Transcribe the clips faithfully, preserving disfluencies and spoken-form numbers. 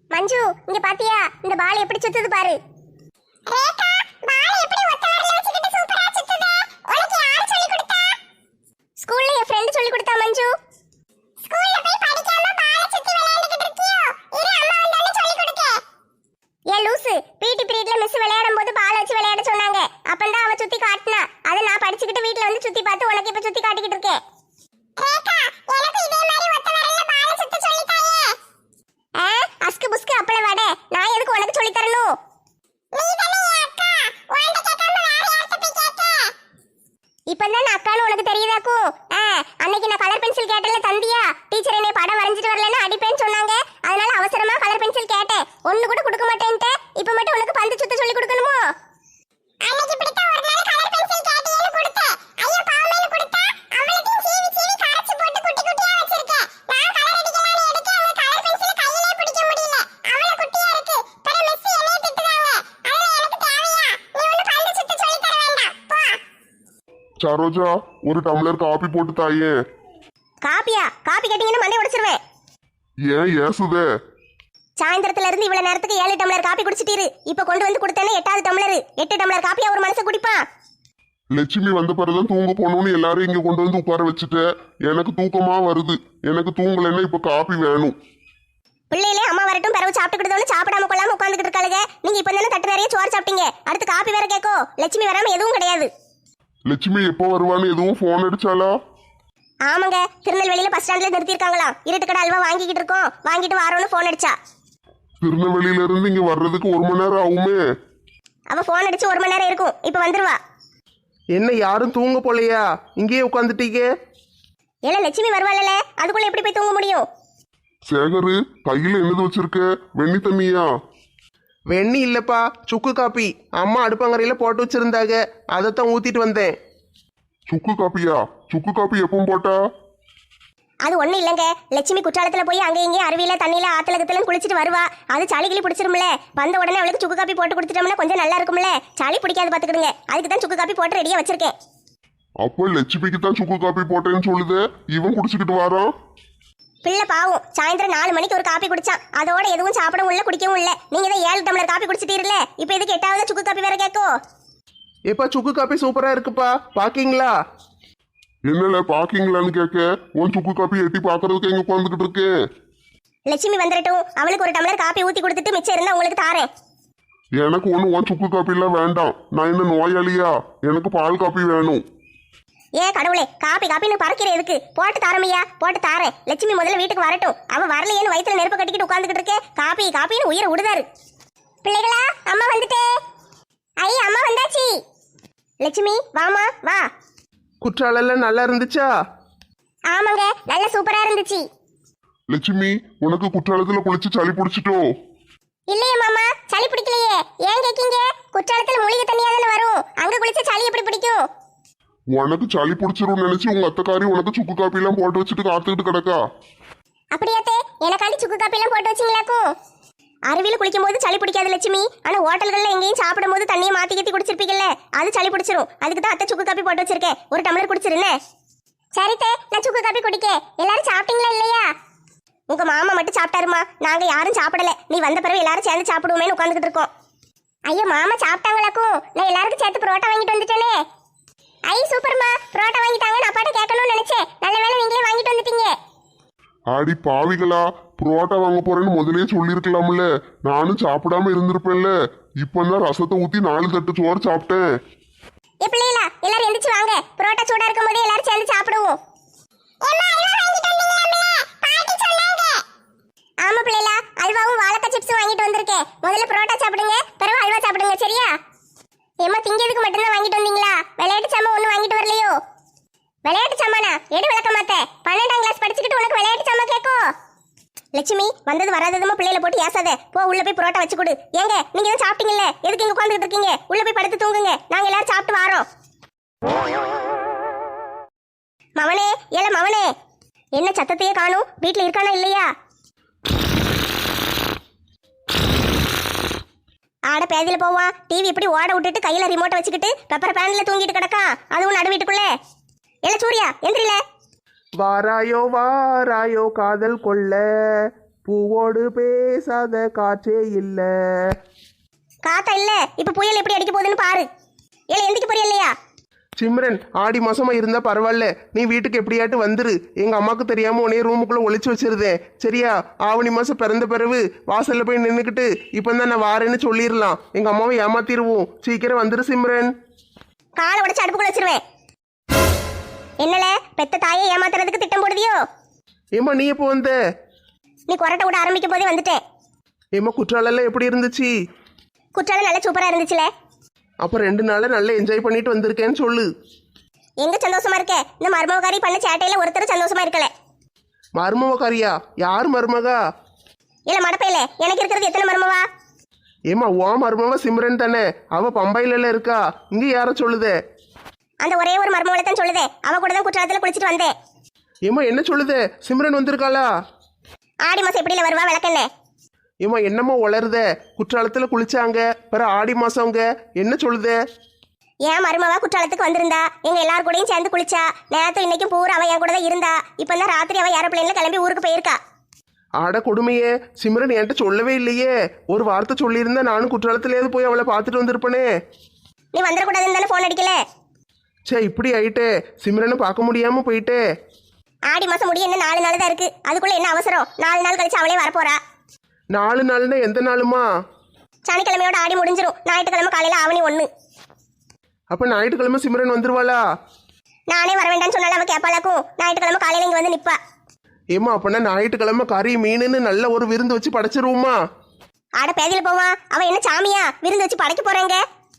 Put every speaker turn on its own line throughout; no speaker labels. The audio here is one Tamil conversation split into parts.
மஞ்சு இங்க பாத்தியா இந்த பால் எப்படி சுத்துது பாரு. ரேகா பால் எப்படி ஒத்த வரல வச்சிட்டு சூப்பரா சுத்துதே. உனக்கு யார் சொல்லி கொடுத்தா? ஸ்கூல்ல என் ஃப்ரெண்ட் சொல்லி கொடுத்தா மஞ்சு. ஸ்கூல்ல போய் படிக்காம பால் சுத்தி விளையாடிட்டு இருக்கியோ? இரு அம்மா வந்தானே சொல்லி கொடுக்க. ஏ லூசு, பிடி பீரியட்ல மிஸ் விளையாடும்போது பால் வச்சு விளையாட சொன்னாங்க. அப்பதான் அவ சுத்தி காட்டினா. அத நான் படிச்சிட்டு வீட்ல வந்து சுத்தி பார்த்து உனக்கு இப்ப சுத்தி காட்டிக்கிட்டு இருக்கேன். ரேகா எனக்கு இதே மாதிரி ஒத்த வரல பால் சுத்த சொல்லி தாயே. ஆ அஸ்கு புஸ்கு அப்பள வாடே, நான் எதுக்கு உனக்கு சொல்லி தரணும்? நீ தானே அக்கா, உன்கிட்ட கேட்காம வேற யார்ட்ட போய் கேட்க? இப்பதான் அக்கான்னு உனக்கு தெரியுதாக்கு? ஆ அன்னைக்கு நான் கலர் பென்சில் கேட்டல தந்தியா? டீச்சர் என்னை படம் வரைஞ்சிட்டு வரலன்னு அடிப்பேன்னு சொன்னாங்க. அதனால அவசரமா கலர் பென்சில் கேட்டேன். ஒண்ணு கூட கொடுக்க மாட்டேன்ட்டே. இப்ப மட்டும் உனக்கு பந்து சுத்த சொல்லி கொடுக்கணுமோ? அன்னைக்கு இப்படித்தான் ஒரு நாள் கலர் பென்சில் கேட்டியேன்னு கொடுத்தேன். ஐயோ பாவமேன்னு கொடுத்தா அவளுக்கு சீவி சீவி கரைச்சு போட்டு குட்டி குட்டியா வச்சிருக்கேன். நான் கலர் அடிக்கலாம்னு எடுக்க அந்த கலர் பென்சில் கையிலே பிடிக்க முடியல. அவள குட்டியா இருக்கு. பிறகு மிஸ் என்னைய திட்டுறாங்க. அதனால எனக்கு தேவையா? நீ ஒண்ணு பந்து சுத்த சொல்லி தர வேண்டாம். போ.
சரோஜா ஒரு டம்ளர் காபி போட்டு தாயே.
காப்பியா? காப்பி கேட்டீங்கன்னா மண்டை உடைச்சிருவேன்.
ஏன் ஏசுதே?
சாயந்தரத்துல இருந்து இவ்வளவு நேரத்துக்கு ஏழு டம்ளர் காப்பி குடிச்சிட்டீரு. இப்ப கொண்டு வந்து கொடுத்தேனே எட்டாவது டம்ளர். எட்டு டம்ளர் காப்பியா ஒரு மனுஷன் குடிப்பான்?
லட்சுமி வந்த பிறகுதான் தூங்க போகணும்னு எல்லாரும் இங்க கொண்டு வந்து உட்கார வச்சுட்டு எனக்கு தூக்கமா வருது. எனக்கு தூங்கலைன்னா இப்ப காப்பி வேணும்.
பிள்ளையிலே அம்மா வரட்டும் பிறகு சாப்பிட்டுக்கிட்டோன்னு சாப்பிடாம கொள்ளாம உட்காந்துக்கிட்டு இருக்காளுங்க. நீங்க இப்ப தானே தட்டு நிறைய சோறு சாப்பிட்டீங்க. அடுத்து காப்பி வேற கேட்கோ? லட்சுமி வராம எதுவும் கிடையாது.
லட்சுமி எப்போ வருவான்னு எதுவும் போன் அடிச்சாலா?
ஆமாங்க, திருநெல்வேலியில பஸ் ஸ்டாண்ட்ல நிறுத்திருக்காங்களாம். இருட்டுக்கடை அல்வா வாங்கிக்கிட்டு இருக்கோம், வாங்கிட்டு வாரோன்னு போன் அடிச்சா.
திருநெல்வேலியில இருந்து இங்க வர்றதுக்கு ஒரு மணி நேரம் ஆகுமே.
அவ போன் அடிச்சு ஒரு மணி நேரம் இருக்கும். இப்ப வந்துருவா.
என்ன யாரும் தூங்க போலையா? இங்கேயே உட்காந்துட்டீங்க.
ஏல லட்சுமி வருவாள்ல, அதுக்குள்ள எப்படி போய் தூங்க முடியும்?
சேகரு கையில என்னது வச்சிருக்க? வெண்ணி தண்ணியா?
வெண்ணி இல்லப்பா, சுக்கு காப்பி. அம்மா அடுப்பங்கரையில போட்டு வச்சிருந்தாங்க, அதைத்தான் ஊத்திட்டு வந்தேன்.
சுக்கு காப்பியா? சுக்கு காப்பி எப்பவும் போட்டா?
அது ஒண்ணு இல்லங்க, லட்சுமி குற்றாலத்துல போய் அங்க இங்கே அருவியில தண்ணியில ஆத்துல கத்துல குளிச்சுட்டு வருவா. அது சளி கிளி பிடிச்சிரும்ல. வந்த உடனே அவளுக்கு சுக்கு காப்பி போட்டு கொடுத்துட்டோம்னா கொஞ்சம் நல்லா இருக்கும்ல. சளி பிடிக்காது பாத்துக்கிடுங்க. அதுக்கு தான் சுக்கு காப்பி போட்டு ரெடியா வச்சிருக்கேன்.
அப்போ லட்சுமிக்கு தான் சுக்கு காப்பி போட்டேன்னு சொல்லுது. இவன் குடிச்சுக்கிட்டு வாரான்.
பிள்ளை பாவம், சாயந்தரம் நாலு மணிக்கு ஒரு காப்பி குடிச்சான். அதோட எதுவும் சாப்பிடவும் இல்ல குடிக்கவும் இல்ல. நீங்க தான் ஏழு டம்ளர் காப்பி குடிச்சிட்டீர்ல, இப்ப எதுக்கு எட்டாவது சுக்கு காப்பி வேற கேட்கோ?
எப்பா சுக்கு காப்பி சூப்பரா இருக்குப்பா, பாக்கீங்களா?
என்னல பாக்கீங்களான்னு கேட்க, உன் சுக்கு காப்பி எட்டி பாக்குறதுக்கு எங்க உட்காந்துக்கிட்டு இருக்கேன்.
லட்சுமி வந்துடட்டும், அவளுக்கு ஒரு டம்ளர் காப்பி ஊத்தி கொடுத்துட்டு மிச்சம் இருந்தா உங்களுக்கு தாரேன்.
எனக்கு ஒண்ணு உன் சுக்கு காப்பி எல்லாம் வேண்டாம். நான் என்ன நோயாளியா? எனக்கு பால் காப்பி வேணும்.
ஏ கடவுளே, காப்பி காப்பின்னு பறக்கிற எதுக்கு? போட்டு தாரமையா? போட்டு தாரேன். லட்சுமி முதல்ல வீட்டுக்கு வரட்டும். அவ வரலையேன்னு வயிற்றுல நெருப்பு கட்டிக்கிட்டு உட்காந்துக்கிட்டு இருக்கே. காப்பி காப்பின்னு உயிரை விடுதாரு. பிள்ளைகளா, அம்மா வந்துட்டே. ஐ அம்மா வந்தாச்சு. லட்சுமி வாமா வா.
குற்றாலெல்லாம் நல்லா இருந்துச்சா?
ஆமாங்க, நல்ல சூப்பரா இருந்துச்சு.
லட்சுமி உனக்கு குற்றாலத்துல குளிச்சு சளி பிடிச்சிட்டோ?
இல்லையே மாமா, சளி பிடிக்கலையே. ஏன் கேக்கீங்க? குற்றாலத்துல மூலிகை தண்ணியா தானே வரும். அங்க குளிச்ச சளி எப்படி பிடிக்கும்?
உனக்கு சளி பிடிச்சிரும் நினைச்சு உங்க அத்தைக்காரி உனக்கு சுக்கு காப்பி எல்லாம் போட்டு வச்சுட்டு காத்துக்கிட்டு கிடக்கா.
அப்படியாத்தே, எனக்காண்டி சுக்கு காப்பி எல்லாம் போட்டு வச்சிங்களாக்கும்? அருவியில் குளிக்கும் போது சளி பிடிக்காது லட்சுமி. ஆனா ஹோட்டல்கள்ல எங்கேயும் சாப்பிடும் போது தண்ணியை மாத்தி கட்டி குடிச்சிருப்பீங்கல்ல, அது சளி பிடிச்சிரும். அதுக்கு தான் அத்தை சுக்கு காப்பி போட்டு வச்சிருக்கேன். ஒரு டம்ளர் குடிச்சிருந்தே. சரித்தே, நான் சுக்கு காப்பி குடிக்க. எல்லாரும் சாப்பிட்டீங்களா இல்லையா? உங்க மாமா மட்டும் சாப்பிட்டாருமா, நாங்க யாரும் சாப்பிடல. நீ வந்த பிறகு எல்லாரும் சேர்ந்து சாப்பிடுவோமேனு உட்காந்துக்கிட்டு இருக்கோம். ஐயோ மாமா சாப்பிட்டாங்களாக்கும்? நான் எல்லாருக்கும் சேர்த்து புரோட்டா வாங்கிட்டு வந்துட்டேனே. ஐ சூப்பர்மா, புரோட்டா வாங்கிட்டாங்க. நான் அப்பாட்ட கேட்கணும்னு நினைச்சேன். நல்ல வேளை நீங்களே வாங்கிட்டு வந்துட்டீங்க.
ஆடி பாவிகளா, புரோட்டா வாங்க போறேன்னு முதலே சொல்லிருக்கலாம்ல. நானும் சாப்பிடாம இருந்திருப்பேன்ல. இப்பதான் ரசத்தை ஊத்தி நாலு தட்டு சோறு சாப்பிட்டேன்.
ஏ பிள்ளைகளா, எல்லாரும் எந்திரிச்சு வாங்க. புரோட்டா சூடா இருக்கும் போதே எல்லாரும் சேர்ந்து சாப்பிடுவோம். ஆமா பிள்ளைகளா, அல்வாவும் வாழைக்காய் சிப்ஸும் வாங்கிட்டு வந்திருக்கேன். முதல்ல புரோட்டா சாப்பிடுங்க, பிறகு அல்வா சாப்பிடுங்க, சரியா? ஏமா திங்கிறதுக்கு மட்டும்தான் வாங்கிட்டு வந்தீங்களா? விளையாட்டு சாமான் ஒன்றும் வாங்கிட்டு வரலையோ? விளையாட்டு சாமானா? எடு விளக்க மாட்டேன். பன்னெண்டாம் கிளாஸ் படிச்சுக்கிட்டு உனக்கு விளையாட்டு சாமான் கேட்கும்? லட்சுமி வந்தது வராததுமா பிள்ளைகளை போட்டு ஏசாத. போ உள்ள போய் புரோட்டா வச்சு கொடு. ஏங்க நீங்க தான் சாப்பிட்டீங்கல்ல, எதுக்கு இங்க உட்காந்துட்டு இருக்கீங்க? உள்ள போய் படுத்து தூங்குங்க. நாங்க எல்லாரும் சாப்பிட்டு வாரோம். மவனே, ஏல மவனே, என்ன சத்தத்தையே காணும்? வீட்டுல இருக்கானா இல்லையா? ஆட பேதியில போவான். டிவி இப்படி ஓட விட்டுட்டு கையில ரிமோட்டை வச்சுக்கிட்டு பெப்பர் பேன்ல தூங்கிட்டு கிடக்கான். அதுவும் நடு வீட்டுக்குள்ள. ஏல சூர்யா எந்திரில.
வாராயோ வாராயோ காதல் கொள்ள பூவோடு பேசாத காற்றே இல்ல.
காத்தா இல்ல இப்ப புயல் எப்படி அடிக்க போகுதுன்னு பாரு. ஏல எந்திக்கு போறியா இல்லையா?
சிம்ரன், ஆடி மாசமா இருந்தா பரவாயில்ல, நீ வீட்டுக்கு எப்படியாட்டு வந்துரு. எங்க அம்மாக்கு தெரியாம உன்னைய ரூமுக்குள்ள ஒளிச்சு வச்சிருந்தேன், சரியா? ஆவணி மாசம் பிறந்த பிறகு வாசல்ல போய் நின்றுக்கிட்டு இப்போ தான் நான் வாரேன்னு சொல்லிடலாம். எங்க அம்மாவை ஏமாத்திடுவோம். சீக்கிரம் வந்துரு சிம்ரன்.
காலை உடைச்சு அடுப்புக்குள்ள வச்சிருவேன். என்னல பெத்த தாயை ஏமாத்துறதுக்கு திட்டம் போடுதியோ?
ஏம்மா நீ எப்போ வந்த?
நீ கொரட்டை விட ஆரம்பிக்கும் போதே வந்துட்டேன்.
ஏம்மா குற்றாலெல்லாம் எப்படி இருந்துச்சு?
குற்றாலம் நல்ல சூப்பரா இருந்துச்சுல.
அப்போ ரெண்டு நாளை நல்லா என்ஜாய் பண்ணிட்டு வந்திருக்கேன்னு சொல்லு.
எங்க சந்தோஷமா இருக்க? இந்த மருமகாரி பண்ண சேட்டையில ஒருத்தர் சந்தோஷமா இருக்கல.
மருமகாரியா? யார் மருமகா?
இல்ல மடப்பையில எனக்கு இருக்கிறது எத்தனை மருமவா?
ஏம்மா ஓ மருமவா சிம்ரன் தானே, அவ பம்பையில இருக்கா. இங்க யார சொல்லுதே?
அந்த ஒரே ஒரு மருமவளை தான் சொல்லுதே. அவ கூட தான் குற்றாலத்துல குளிச்சுட்டு வந்தேன்.
ஏம்மா என்ன சொல்லுதே? சிம்ரன் வந்திருக்காளா?
ஆடி மாசம் எப்படில வருவா விளக்கண்ணே?
ஏம்மா என்னம்மா வளருதே? குற்றாலத்துல குளிச்சாங்க, பிற ஆடி மாசங்க, என்ன சொல்லுதே?
ஏன் மருமவா குற்றாலத்துக்கு வந்திருந்தா, எங்க எல்லாரும் கூடயும் சேர்ந்து குளிச்சா. நேரத்தும் இன்னைக்கும் பூரா அவ என் கூட தான் இருந்தா. இப்பதான் ராத்திரி அவ ஏரோப்ளேன்ல கிளம்பி ஊருக்கு போயிருக்கா.
ஆட கொடுமையே, சிம்ரன் என்கிட்ட சொல்லவே இல்லையே. ஒரு வார்த்தை சொல்லியிருந்தா நானும் குற்றாலத்திலேயாவது போய் அவளை பார்த்துட்டு வந்திருப்பனே.
நீ வந்துடக்கூடாதுன்னு தானே போன் அடிக்கல.
சே இப்படி ஆயிட்டே, சிம்ரனை பார்க்க முடியாம போயிட்டே.
ஆடி மாசம் முடிய என்ன நாலு நாள் தான் இருக்கு. அதுக்குள்ள என்ன அவசரம்? நாலு நாள் கழிச்சு அவளே வரப்போறா.
நாலு நாள்னா எந்த நாளுமா?
சனிக்கிழமையோட ஆடி முடிஞ்சிரும். ஞாயிற்றுக்கிழமை காலையில ஆவணி ஒண்ணு.
அப்ப ஞாயிற்றுக்கிழமை சிம்ரன் வந்துருவாளா?
நானே வர வேண்டாம்னு சொன்னாலும் அவ கேப்பாளாக்கும். ஞாயிற்றுக்கிழமை காலையில இங்க வந்து நிப்பா.
ஏமா அப்பனா ஞாயிற்றுக்கிழமை கறி மீனுன்னு நல்ல ஒரு விருந்து வச்சு படைச்சிருவோமா?
ஆட பேதியில போவா. அவ என்ன சாமியா விருந்து வச்சு படைக்க போறாங்க?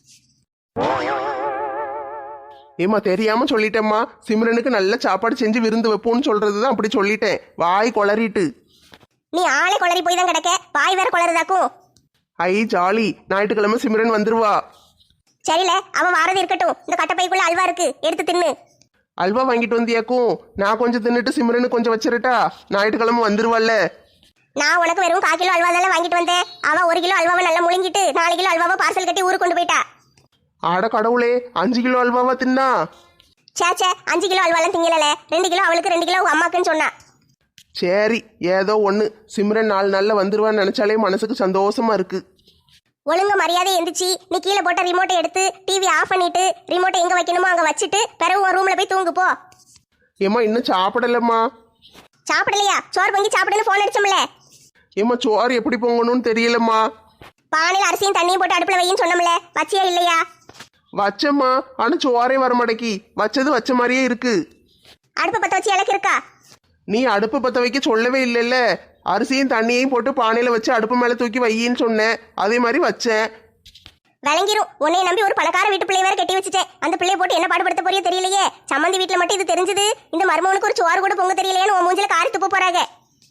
ஏமா தெரியாம சொல்லிட்டேம்மா. சிம்ரனுக்கு நல்ல சாப்பாடு செஞ்சு விருந்து வைப்போம்னு சொல்றதுதான் அப்படி சொல்லிட்டேன். வாய் கொளறிட்டு.
நீ ஆளே கொளறி போய் தான் கிடக்க. வாய் வேற கொளறுதாக்கும்.
ஐ ஜாலி, ஞாயிற்றுக்கிழமை சிம்ரன் வந்துருவா.
சரில அவ வாரது இருக்கட்டும். இந்த கட்டப்பைக்குள்ள அல்வா இருக்கு, எடுத்து தின்னு.
அல்வா வாங்கிட்டு வந்தியாக்கும். நான் கொஞ்சம் தின்னுட்டு சிம்ரனு கொஞ்சம் வச்சிருட்டா? ஞாயிற்றுக்கிழமை வந்துருவாள்ல.
நான் உனக்கு வெறும் கால் கிலோ அல்வா தானே வாங்கிட்டு வந்தேன். அவ ஒரு கிலோ அல்வாவை நல்லா முழுங்கிட்டு நாலு கிலோ அல்வாவை பார்சல் கட்டி ஊருக்கு கொண்டு போயிட்டா.
ஆட கடவுளே, அஞ்சு கிலோ அல்வாவா தின்னா?
சேச்சே அஞ்சு கிலோ அல்வாலாம் திங்கல. ரெண்டு கிலோ அவளுக்கு, ரெண்டு கிலோ அம்மாக்குன்னு சொன்னா.
சரி ஏதோ ஒன்று. சிம்ரன் நாலு நாளில் வந்துருவான்னு நினச்சாலே மனசுக்கு சந்தோஷமா இருக்கு.
ஒழுங்கு மரியாதை எந்திரிச்சு நீ கீழே போட்ட ரிமோட்டை எடுத்து டிவி ஆஃப் பண்ணிட்டு ரிமோட்டை எங்க வைக்கணுமோ அங்க வச்சுட்டு பிறகு உன் ரூம்ல போய் தூங்கு போ.
ஏம்மா இன்னும் சாப்பிடலம்மா.
சாப்பிடலையா? சோறு பொங்கி சாப்பிடுன்னு போன் அடிச்சோம்ல.
ஏம்மா சோறு எப்படி பொங்கணும்னு தெரியலம்மா.
பானையில் அரிசியும் தண்ணியும் போட்டு அடுப்புல வையின்னு சொன்னோம்ல, வச்சியா இல்லையா?
வச்சம்மா, ஆனால் சோறே வர மாட்டேக்கி. வச்சது வச்ச மாதிரியே இருக்கு.
அடுப்பை பத்த வச்சு இலக்கு இருக்கா?
நீ அடுப்பு பற்ற வைக்க சொல்லவே இல்லைல்ல. அரிசியும் தண்ணியையும் போட்டு பானையில் வச்சு அடுப்பு மேலே தூக்கி வையின்னு சொன்னேன். அதே மாதிரி வச்சேன்.
விளங்கிரும். உன்னை நம்பி ஒரு பணக்கார வீட்டு பிள்ளை வேற கட்டி வச்சுட்டேன். அந்த பிள்ளைய போட்டு என்ன பாடுபடுத்த போறியோ தெரியலையே. சம்மந்தி வீட்டுல மட்டும் இது தெரிஞ்சது. இந்த மருமகனுக்கு ஒரு சோறு கூட பொங்க தெரியலையேன்னு உன் மூஞ்சில காரி துப்ப போறாங்க.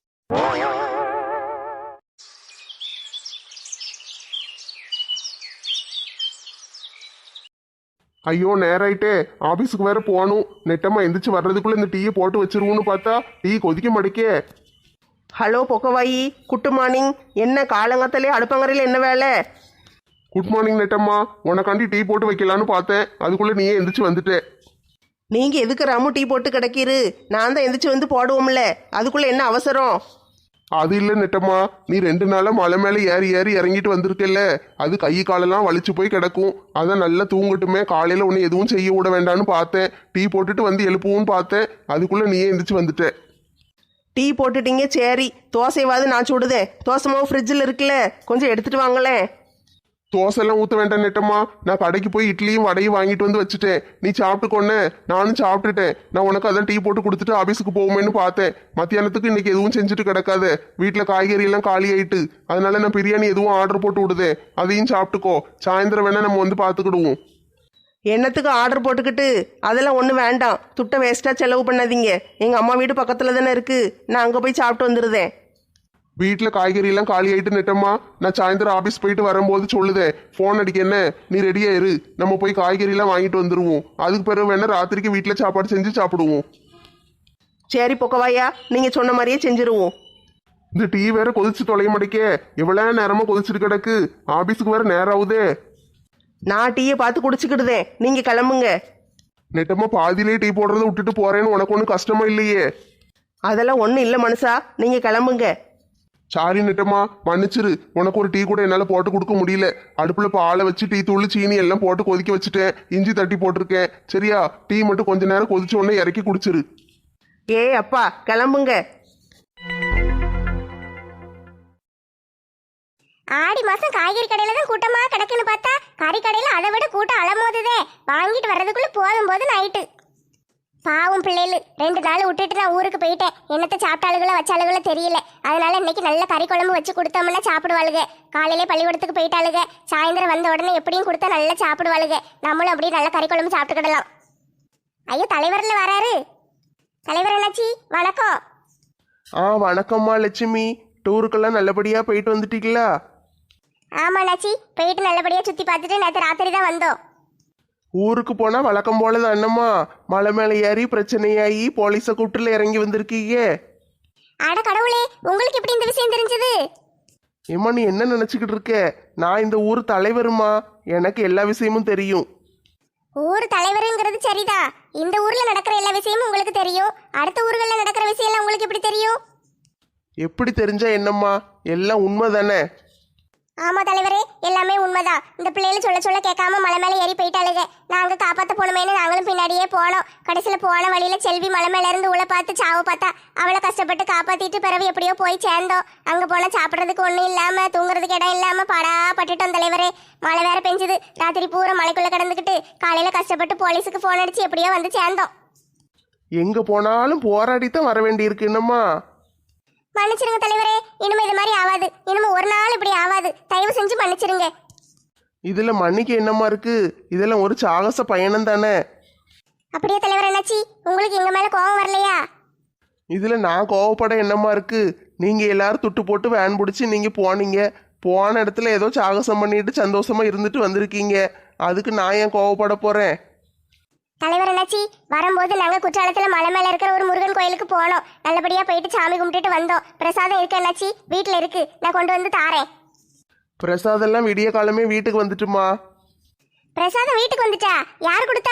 ஐயோ நேராயிட்டே, ஆபீஸுக்கு வேற போகணும். நெட்டமா எந்திரிச்சு வர்றதுக்குள்ள இந்த டீயை போட்டு வச்சிருவோன்னு பார்த்தா டீ கொதிக்க மாட்டேக்கே.
ஹலோ பொக்கவாயி, குட் மார்னிங். என்ன காலங்கத்திலே அடுப்பங்கரையில் என்ன வேலை?
குட் மார்னிங் நெட்டம்மா. உனக்காண்டி டீ போட்டு வைக்கலான்னு பார்த்தேன், அதுக்குள்ள நீயே எந்திரிச்சு வந்துட்டே.
நீங்கள் எதுக்கு ராமு டீ போட்டு கிடக்கிரு? நான் தான் எந்திரிச்சு வந்து போடுவோம்ல, அதுக்குள்ளே என்ன அவசரம்?
அது இல்லை நெட்டம்மா, நீ ரெண்டு நாளா மலை மேலே ஏறி ஏறி இறங்கிட்டு வந்திருக்கல, அது கை காலெல்லாம் வலிச்சு போய் கிடக்கும். அதான் நல்லா தூங்கட்டுமே, காலையில் ஒன்று எதுவும் செய்ய விட வேண்டான்னு பார்த்தேன். டீ போட்டுட்டு வந்து எழுப்புவோன்னு பார்த்தேன், அதுக்குள்ளே நீயே எந்திரிச்சு வந்துட்டேன்.
டீ போட்டுட்டீங்க, சரி. தோசைவாது நான் சுடுதேன். தோசை மாவு ஃப்ரிட்ஜில் இருக்குல்ல, கொஞ்சம் எடுத்துகிட்டு வாங்களேன்.
தோசைலாம் ஊற்ற வேண்டாம் நெட்டம்மா, நான் கடைக்கு போய் இட்லியும் வடையும் வாங்கிட்டு வந்து வச்சுட்டேன். நீ சாப்பிட்டுக்கொன்னே, நானும் சாப்பிட்டுட்டேன். நான் உனக்கு அதான் டீ போட்டு கொடுத்துட்டு ஆஃபீஸுக்கு போவோமேன்னு பார்த்தேன். மத்தியானத்துக்கு இன்னைக்கு எதுவும் செஞ்சுட்டு கிடக்காது. வீட்டில் காய்கறி எல்லாம் காலி ஆயிட்டு, அதனால நான் பிரியாணி எதுவும் ஆர்டர் போட்டு விடுதேன். அதையும் சாப்பிட்டுக்கோ. சாயந்தரம் வேணா நம்ம வந்து பார்த்துக்கிடுவோம்.
என்னத்துக்கு ஆர்டர் போட்டுக்கிட்டு? அதெல்லாம் ஒன்றும் வேண்டாம். துட்டை வேஸ்ட்டாக செலவு பண்ணாதீங்க. எங்கள் அம்மா வீடு பக்கத்தில் தானே இருக்குது, நான் அங்கே போய் சாப்பிட்டு வந்துடுதேன்.
வீட்டில் காய்கறி எல்லாம் காலி ஆயிட்டு நெட்டம்மா, நான் சாயந்தரம் ஆஃபீஸ் போயிட்டு வரும்போது சொல்லுதேன், ஃபோன் அடிக்க. என்ன நீ ரெடியா இரு, நம்ம போய் காய்கறி எல்லாம் வாங்கிட்டு வந்துருவோம். அதுக்கு பிறகு வேணா ராத்திரிக்கு வீட்டில் சாப்பாடு செஞ்சு சாப்பிடுவோம்.
சரி பொக்கவாயா, நீங்கள் சொன்ன மாதிரியே செஞ்சுருவோம்.
இந்த டீ வேற கொதிச்சு தொலைய மாட்டேக்கே, எவ்வளோ நேரமா கொதிச்சுட்டு கிடக்கு. ஆஃபீஸுக்கு வேற நேரம் ஆகுதே.
நான் டீயை பார்த்து குடிச்சுக்கிடுதேன், நீங்கள் கிளம்புங்க.
நெட்டம்மா பாதியிலே டீ போடுறத விட்டுட்டு போறேன்னு உனக்கு ஒன்றும் கஷ்டமா இல்லையே?
அதெல்லாம் ஒன்றும் இல்லை மனுஷா, நீங்கள் கிளம்புங்க.
சாரி நெட்டம்மா, மன்னிச்சிரு. உனக்கு ஒரு டீ கூட என்னால போட்டு கொடுக்க முடியல. அடுப்புல பாலை வச்சு டீ தூள் சீனி எல்லாம் போட்டு கொதிக்க வச்சுட்டேன். இஞ்சி தட்டி போட்டிருக்கேன். சரியா? டீ மட்டும் கொஞ்ச நேரம் கொதிச்ச உடனே இறக்கி குடிச்சிரு.
ஏ அப்பா கிளம்புங்க.
ஆடி மாசம் காய்கறி கடையில தான் கூட்டமா கிடக்குன்னு பார்த்தா கறி கடையில அதை விட கூட்டம் அலமோதுதே. வாங்கிட்டு வர்றதுக்குள்ள போதும் போது நைட்டு. பாவம் பிள்ளைகள் ரெண்டு நாள் விட்டுட்டு நான் ஊருக்கு போயிட்டேன். என்னத்தை சாப்பிட்டாளுகளோ வச்சாளுகளோ தெரியல. அதனால இன்னைக்கு நல்ல கறி குழம்பு வச்சு கொடுத்தோம்னா சாப்பிடுவாளுங்க. காலையிலே பள்ளிக்கூடத்துக்கு போயிட்டாளுங்க. சாயந்தரம் வந்த உடனே எப்படியும் கொடுத்தா நல்லா சாப்பிடுவாளுங்க. நம்மளும் அப்படியே நல்ல கறி குழம்பு சாப்பிட்டுக்கிடலாம். ஐயோ, தலைவர்ல வராரு. தலைவர் அண்ணாச்சி வணக்கம்.
ஆ வணக்கம்மா லட்சுமி. டூருக்கெல்லாம் நல்லபடியா போயிட்டு வந்துட்டீங்களா?
ஆமா அண்ணாச்சி, போயிட்டு நல்லபடியா சுத்தி பார்த்துட்டு நேற்று ராத்திரி தான் வந்தோம்.
ஊருக்கு போனா வழக்கம் போலதான் என்னம்மா, மலை மேலே ஏறி பிரச்சனையாகி போலீஸை கூப்பிட்டுல இறங்கி வந்திருக்கீங்க.
அட கடவுளே, உங்களுக்கு எப்படி இந்த விஷயம் தெரிஞ்சது?
ஏம்மா நீ என்ன நினைச்சுக்கிட்டு இருக்க? நான் இந்த ஊர் தலைவருமா, எனக்கு எல்லா விஷயமும் தெரியும்.
ஊர் தலைவருங்கிறது சரிதான். இந்த ஊர்ல நடக்கிற எல்லா விஷயமும் உங்களுக்கு தெரியும். அடுத்த ஊர்களில் நடக்கிற விஷயம் எல்லாம் உங்களுக்கு எப்படி தெரியும்?
எப்படி தெரிஞ்சா என்னம்மா, எல்லாம் உண்மை தானே.
ஆமா தலைவரே, எல்லாமே உண்மைதான். இந்த பிள்ளைகள் சொல்ல சொல்ல கேட்காம மலை மேலே ஏறி போயிட்டாளுங்க. நாங்க காப்பாத்த போனோமேனு நாங்களும் பின்னாடியே போனோம். கடைசியில போன வழியில செல்வி மலை மேல இருந்து உள்ள பார்த்து சாவு பார்த்தா. அவளை கஷ்டப்பட்டு காப்பாத்திட்டு பிறகு எப்படியோ போய் சேர்ந்தோம். அங்க போனா சாப்பிட்றதுக்கு ஒண்ணும் இல்லாம தூங்குறதுக்கு இடம் இல்லாம பாடா பட்டுட்டோம் தலைவரே. மழை வேற பெஞ்சுது. ராத்திரி பூரா மலைக்குள்ள கிடந்துக்கிட்டு காலையில கஷ்டப்பட்டு போலீஸுக்கு போன் அடிச்சு எப்படியோ வந்து சேர்ந்தோம்.
எங்க போனாலும் போராடித்தான் வர வேண்டி இருக்கு என்னம்மா.
மன்னிச்சிருங்க தலைவரே, இனிமே இது மாதிரி ஆகாது. இனிமே ஒரு நாள் இப்படி ஆகாது. தயவு செஞ்சு மன்னிச்சிருங்க.
இதுல மன்னிக்க என்னம்மா இருக்கு? இதெல்லாம் ஒரு சாகச பயணம் தானே.
அப்படியே தலைவர் என்னாச்சி, உங்களுக்கு எங்க மேல கோபம் வரலையா?
இதுல நான் கோவப்பட என்னம்மா இருக்கு? நீங்க எல்லாரும் துட்டு போட்டு வேன் பிடிச்சி நீங்க போனீங்க. போன இடத்துல ஏதோ சாகசம் பண்ணிட்டு சந்தோஷமா இருந்துட்டு வந்திருக்கீங்க. அதுக்கு நான் ஏன் கோவப்பட போறேன்?
தலைவர் என்னாச்சி, வரும்போது நாங்க குற்றாலத்துல மலை மேல இருக்கிற ஒரு முருகன் கோயிலுக்கு போனோம். நல்லபடியா போயிட்டு சாமி கும்பிட்டுட்டு வந்தோம். பிரசாதம் இருக்கு என்னாச்சி, வீட்டுல இருக்கு. நான் கொண்டு வந்து தாரேன்.
பிரசாதெல்லாம் விடிய காலமே வீட்டுக்கு வந்துட்டுமா.
பிரசாதம் வீட்டுக்கு வந்துட்டா? யார் கொடுத்தா?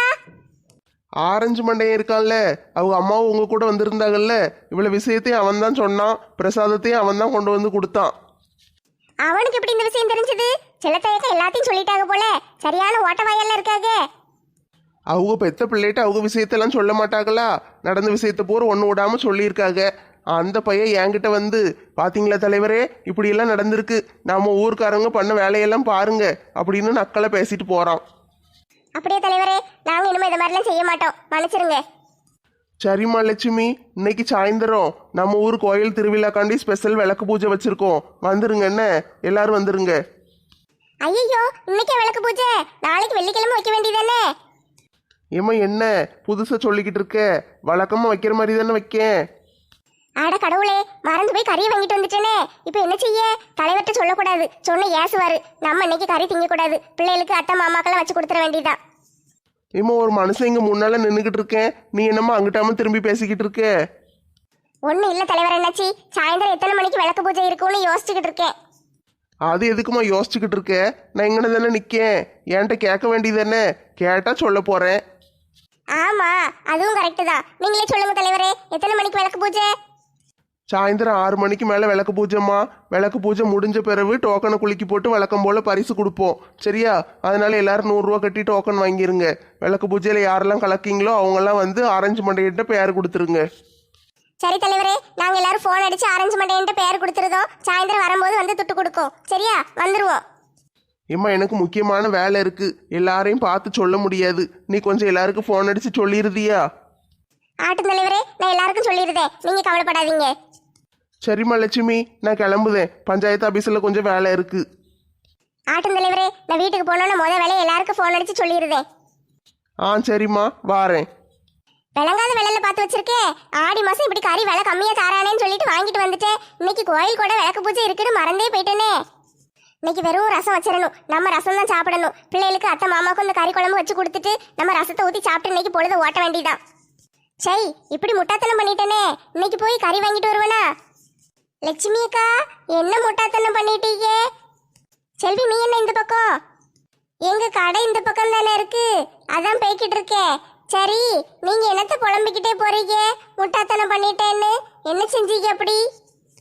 ஆரஞ்சு மண்டையன் இருக்கான்ல, அவங்க அம்மாவும் உங்க கூட வந்திருந்தாங்கல்ல. இவ்வளவு விஷயத்தையும் அவன் தான் சொன்னான். பிரசாதத்தையும் அவன் தான் கொண்டு வந்து கொடுத்தான்.
அவனுக்கு எப்படி இந்த விஷயம் தெரிஞ்சது? செல்லத்தையக்க எல்லாத்தையும் சொல்லிட்டாங்க போல. சரியான ஓட்டவாயெல்லாம் இருக்காங்க.
அவங்க பெத்த பிள்ளைகிட்ட அவங்க விஷயத்தெல்லாம் சொல்ல மாட்டாங்களா? நடந்த விஷயத்த பூரா ஒன்று விடாம சொல்லியிருக்காங்க. அந்த பையன் என்கிட்ட வந்து, பாத்தீங்களா தலைவரே, இப்படியெல்லாம் நடந்திருக்கு, நம்ம ஊருக்காரங்க பண்ண வேலையெல்லாம் பாருங்க அப்படின்னு நக்கலை பேசிட்டு போறான்.
அப்படியே தலைவரே, நாங்க இனிமே இந்த மாதிரிலாம் செய்ய மாட்டோம். மன்னிச்சிருங்க.
சரிம்மா லட்சுமி, இன்னைக்கு சாயந்தரம் நம்ம ஊர் கோயில் திருவிழாக்காண்டி ஸ்பெஷல் விளக்கு பூஜை வச்சிருக்கோம். வந்துருங்க என்ன, எல்லாரும் வந்துருங்க.
ஐயோ, இன்னைக்கே விளக்கு பூஜை? நாளைக்கு வெள்ளிக்கிழமை வைக்க வேண்டியதானே?
ஏம்மா என்ன புதுசா சொல்லிக்கிட்டு இருக்க? வழக்கமா வைக்கிற மாதிரி தானே வைக்கேன்.
ஆட கடவுளே, மறந்து போய் கறியை வாங்கிட்டு வந்துட்டேனே. இப்போ என்ன செய்ய? தலைவர்கிட்ட சொல்லக்கூடாது, சொன்ன ஏசுவாரு. நம்ம இன்னைக்கு கறி திங்கக்கூடாது. பிள்ளைகளுக்கு அத்தை மாமாக்கெல்லாம் வச்சு கொடுத்துட வேண்டியதான்.
ஏம்மா ஒரு மனுஷன் இங்க முன்னால நின்றுக்கிட்டு இருக்கேன், நீ என்னம்மா அங்கிட்டாம திரும்பி பேசிக்கிட்டு இருக்க?
ஒன்றும் இல்லை தலைவர் என்னாச்சி, சாயந்தரம் எத்தனை மணிக்கு விளக்கு பூஜை இருக்கும்னு யோசிச்சுக்கிட்டு இருக்கேன்.
அது எதுக்குமா யோசிச்சுக்கிட்டு இருக்க? நான் எங்கன தானே நிற்கேன், என்கிட்ட கேட்க வேண்டியது தானே. கேட்டா சொல்ல போறேன்.
ஆமா, அதுவும் கரெக்டு தான். நீங்களே சொல்லுங்க தலைவரே, எத்தனை மணிக்கு விளக்கு பூஜை?
சாயந்தரம் ஆறு மணிக்கு மேலே விளக்கு பூஜைம்மா. விளக்கு பூஜை முடிஞ்ச பிறகு டோக்கனை குலுக்கி போட்டு வழக்கம் போல் பரிசு கொடுப்போம். சரியா? அதனால எல்லாரும் நூறுரூவா கட்டி டோக்கன் வாங்கிருங்க. விளக்கு பூஜையில் யாரெல்லாம் கலக்கீங்களோ அவங்கெல்லாம் வந்து ஆரஞ்சு மண்டையிட்ட பேர் கொடுத்துருங்க.
சரி தலைவரே, நாங்கள் எல்லாரும் ஃபோன் அடிச்சு ஆரஞ்சு மண்டையன்ட்டு பேர் கொடுத்துருதோம். சாயந்தரம் வரும்போது வந்து துட்டு கொடுக்கும். சரியா? வந்துருவோம்.
ஏம்மா எனக்கு முக்கியமான வேலை இருக்கு, எல்லாரையும் பார்த்து சொல்ல முடியாது. நீ கொஞ்சம் எல்லாருக்கும் ஃபோன் அடிச்சு சொல்லிடுதியா?
ஆட்டும் தலைவரே, நான் எல்லாருக்கும் சொல்லிடுதேன், நீங்க கவலைப்படாதீங்க.
சரிம்மா லட்சுமி, நான் கிளம்புதேன். பஞ்சாயத்து ஆபீஸில் கொஞ்சம் வேலை இருக்கு.
ஆட்டும் தலைவரே, நான் வீட்டுக்கு போனோன்னு முத வேலையை எல்லாருக்கும் ஃபோன் அடிச்சு சொல்லிடுதேன்.
ஆ சரிம்மா, வாரேன்.
விளங்காத விலையில பார்த்து வச்சிருக்கேன். ஆடி மாசம் இப்படி கறி விலை கம்மியா தாரானேன்னு சொல்லிட்டு வாங்கிட்டு வந்துட்டேன். இன்னைக்கு கோயில் கூட விளக்கு பூஜை இருக்குன்னு மறந்தே போயிட்டேனே. இன்னைக்கு வெறும் ரசம் வச்சிடணும். நம்ம ரசம் தான் சாப்பிடணும். பிள்ளைகளுக்கு அத்தை மாமாவுக்கும் இந்த கறி குழம்பு வச்சு கொடுத்துட்டு நம்ம ரசத்தை ஊற்றி சாப்பிட்டு இன்னைக்கு பொழுது ஓட்ட வேண்டியதான். சரி, இப்படி முட்டாத்தனம் பண்ணிட்டேனே. இன்னைக்கு போய் கறி வாங்கிட்டு வருவேனா? லட்சுமி அக்கா, என்ன முட்டாத்தனம் பண்ணிட்டீங்க? செல்வி, நீ என்ன இந்த பக்கம்? எங்க கடை இந்த பக்கம் தானே இருக்கு, அதான் போய்கிட்டு இருக்கேன். சரி, நீங்க என்னத்த புலம்பிக்கிட்டே போறீங்க? முட்டாத்தனம் பண்ணிட்டேன்னு என்ன செஞ்சீங்க அப்படி?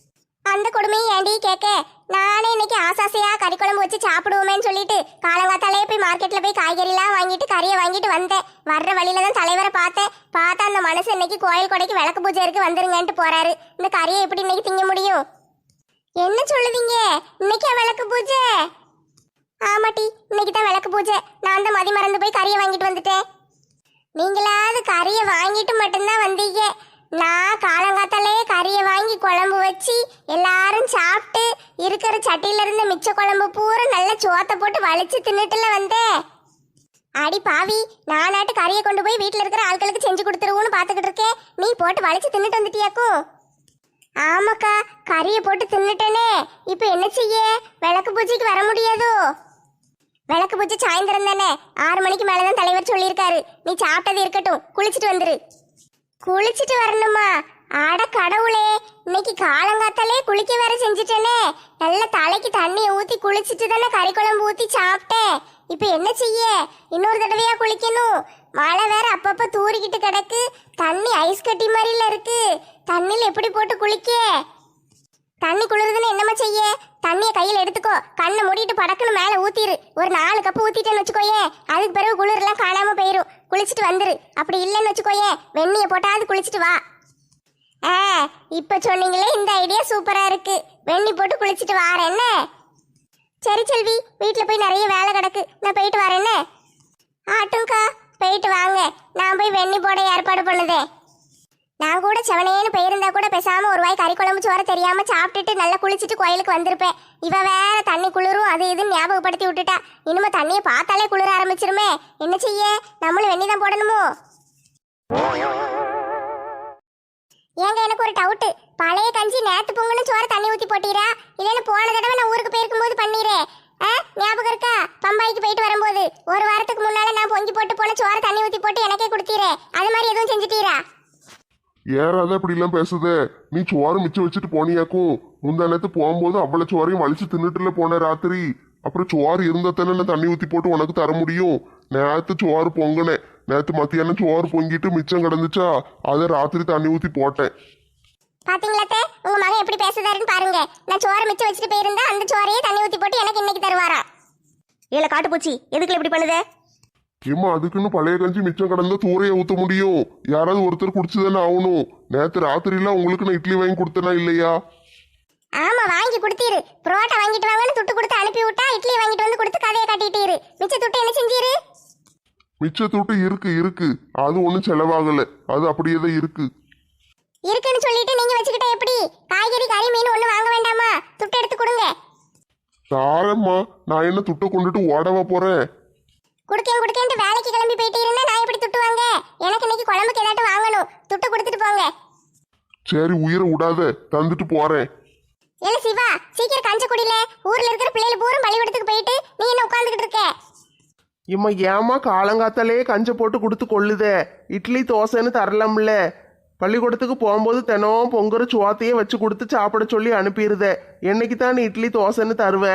அந்த கொடுமையை ஏண்டி கேட்க? நானே இன்னைக்கு ஆசாசையா கறி குழம்பு வச்சு சாப்பிடுவோமேன்னு சொல்லிட்டு காலங்காத்தாலே போய் மார்க்கெட்ல போய் காய்கறிலாம் வாங்கிட்டு கறியை வாங்கிட்டு வந்தேன். வர்ற வழியில தான் தலைவரை பார்த்தேன். பார்த்தா அந்த மனசு இன்னைக்கு கோயில் கொடைக்கு விளக்கு பூஜை இருக்கு வந்துருங்கன்ட்டு போறாரு. இந்த கறியை எப்படி இன்னைக்கு திங்க முடியும்? என்ன சொல்லுவீங்க? இன்னைக்கா விளக்கு பூஜை? ஆமாட்டி, இன்னைக்கு தான் விளக்கு பூஜை. நான் தான் மதி மறந்து போய் கறியை வாங்கிட்டு வந்துட்டேன். நீங்களாவது கறியை வாங்கிட்டு மட்டும்தான் வந்தீங்க. நான் காலங்காத்தாலே கறியை வாங்கி குழம்பு வச்சு எல்லாரும் சாப்பிட்டு இருக்கிற சட்டியில இருந்த மிச்ச குழம்பு பூரா நல்ல சோத்தை போட்டு வலிச்சு தின்னுட்டுல வந்தேன். அடி பாவி, நானாட்டு கறியை கொண்டு போய் வீட்டில் இருக்கிற ஆட்களுக்கு செஞ்சு கொடுத்துருவோன்னு பார்த்துக்கிட்டு இருக்கேன். நீ போட்டு வலிச்சு தின்னுட்டு வந்துட்டியாக்கும்? ஆமாக்கா, கறியை போட்டு தின்னுட்டேனே. இப்போ என்ன செய்ய? விளக்கு பூஜைக்கு வர முடியாதோ? விளக்கு பூஜை சாயந்தரம் தானே, ஆறு மணிக்கு மேலதான் தலைவர் சொல்லியிருக்காரு. நீ சாப்பிட்டது இருக்கட்டும், குளிச்சுட்டு வந்துரு. குளிச்சுட்டு வரணுமா? அட கடவுளே, இன்னைக்கு காலங்காத்தாலே குளிக்க வேற செஞ்சுட்டேனே. நல்ல தலைக்கு தண்ணியை ஊத்தி குளிச்சுட்டு தானே கறி குழம்பு ஊத்தி சாப்பிட்டேன். இப்ப என்ன செய்ய? இன்னொரு தடவையா குளிக்கணும். மழை வேற அப்பப்ப தூரிக்கிட்டு கிடக்கு. தண்ணி ஐஸ் கட்டி மாதிரில இருக்கு. தண்ணியில் எப்படி போட்டு குளிக்க? தண்ணி குளிருதுன்னு என்னமா செய்ய? தண்ணியை கையில் எடுத்துக்கோ, கண்ணை மூடிட்டு படக்குன்னு மேலே ஊத்திரு. ஒரு நாலு கப்பு ஊத்திட்டேன்னு வச்சுக்கோயே, அதுக்கு பிறகு குளிர்லாம் காணாம போயிரும். குளிச்சுட்டு வந்துரு. அப்படி இல்லைன்னு வச்சுக்கோயே, வெந்நியை போட்டாவது குளிச்சுட்டு வா. ஆ, இப்ப சொன்னீங்களே, இந்த ஐடியா சூப்பரா இருக்கு. வெந்நி போட்டு குளிச்சுட்டு வாரேன் என்ன? சரி செல்வி, வீட்டில் போய் நிறைய வேலை கிடக்கு, நான் போயிட்டு வரேன் என்ன? ஆட்டும்க்கா, போயிட்டு வாங்க. நான் போய் வெந்நி போட ஏற்பாடு பண்ணுதேன். நான் கூட செவனேன்னு போயிருந்தா கூட பேசாம ஒரு வாய் கறி குழம்பு சோற தெரியாம சாப்பிட்டுட்டு நல்லா குளிச்சுட்டு கோயிலுக்கு வந்திருப்பேன். இவ வேற தண்ணி குளிரும் அது இதுன்னு ஞாபகப்படுத்தி விட்டுட்டா. இனிமே தண்ணியை பார்த்தாலே குளிர ஆரம்பிச்சிருமே. என்ன செய்ய? நம்மளும் வெந்நி தான் போடணுமோ? ஏங்க, எனக்கு ஒரு டவுட்டு. பழைய கஞ்சி நேத்து பொங்கலும் சோற தண்ணி ஊத்தி போட்டீரா, இல்லைன்னு போன தடவை நான் ஊருக்கு போயிருக்கும் போது பண்ணீரே, ஞாபகம் இருக்கா? பம்பாய்க்கு போயிட்டு வரும்போது ஒரு வாரத்துக்கு முன்னால நான் பொங்கி போட்டு போன சோற தண்ணி ஊத்தி போட்டு எனக்கே கொடுத்தீரே, அது மாதிரி எதுவும் செஞ்சுட்டீரா?
ஏறாத இப்படி எல்லாம் பேசுத. நீ சோறு மிச்சம் வச்சுட்டு போனியாக்கும். முந்தா நேரத்து போகும்போது அவ்வளவு சோறையும் வலிச்சு தின்னுட்டுல போன ராத்திரி. அப்புறம் சோறு இருந்தா தானே நான் தண்ணி ஊத்தி போட்டு உனக்கு தர முடியும். நேத்து சோறு பொங்கினேன். நேத்து மத்தியானம் சோறு பொங்கிட்டு மிச்சம் கிடந்துச்சா, அதை ராத்திரி தண்ணி ஊத்தி போட்டேன்.
பாத்தீங்களா உங்க மகன் எப்படி பேசுதாருன்னு பாருங்க. நான் சோறு மிச்சம் வச்சுட்டு போயிருந்தா அந்த சோறையே தண்ணி ஊத்தி போட்டு எனக்கு இன்னைக்கு தருவாரா? ஏல காட்டுப்பூச்சி, எதுக்குல இப்படி பண்ணுதே?
ஏமா, அதுக்குன்னு பழைய கஞ்சி மிச்சம் கிடந்தா தூரைய ஊத்த முடியும்? யாராவது ஒருத்தர் குடிச்சுதானே ஆகணும். நேத்து ராத்திரிலாம் உங்களுக்கு நான் இட்லி வாங்கி கொடுத்தனா இல்லையா?
ஆமா, வாங்கி கொடுத்தீரு. புரோட்டா வாங்கிட்டு வாங்கன்னு துட்டு கொடுத்து அனுப்பி விட்டா இட்லி வாங்கிட்டு வந்து கொடுத்து கதையை காட்டிட்டீரு. மிச்ச துட்டு என்ன செஞ்சீரு?
மிச்ச துட்டு இருக்கு இருக்கு, அது ஒன்றும் செலவாகல. அது அப்படியே தான் இருக்கு.
இருக்குன்னு சொல்லிட்டு நீங்க வச்சுக்கிட்ட எப்படி? காய்கறி கறி மீன் ஒண்ணு வாங்க வேண்டாமா? துட்டு எடுத்து கொடுங்க.
தாரம்மா, நான் என்ன துட்டை கொண்டுட்டு ஓடவா போறேன்?
குடுக்கேன் குடுக்கேன்ட்டு வேலைக்கு கிளம்பி போயிட்டு இருந்தா நான் எப்படி துட்டு வாங்க? எனக்கு இன்னைக்கு குழம்புக்கு ஏதாட்டும் வாங்கணும். துட்டு கொடுத்துட்டு போங்க.
சரி, உயிரை விடாத, தந்துட்டு போறேன்.
ஏல சிவா, சீக்கிரம் கஞ்ச குடில. ஊர்ல இருக்கிற பிள்ளைகள் பூரா பள்ளிக்கூடத்துக்கு போயிட்டு நீ என்ன உட்கார்ந்துகிட்டு இருக்க?
இம்மா ஏமா காலங்காத்தாலே கஞ்ச போட்டு கொடுத்து கொள்ளுதே? இட்லி தோசைன்னு தரலாம்ல. பள்ளிக்கூடத்துக்கு போகும்போது தினம் பொங்குற சோத்தையே வச்சு கொடுத்து சாப்பிட சொல்லி அனுப்பிடுதே. என்னைக்கு தான் நீ இட்லி தோசைன்னு தருவ?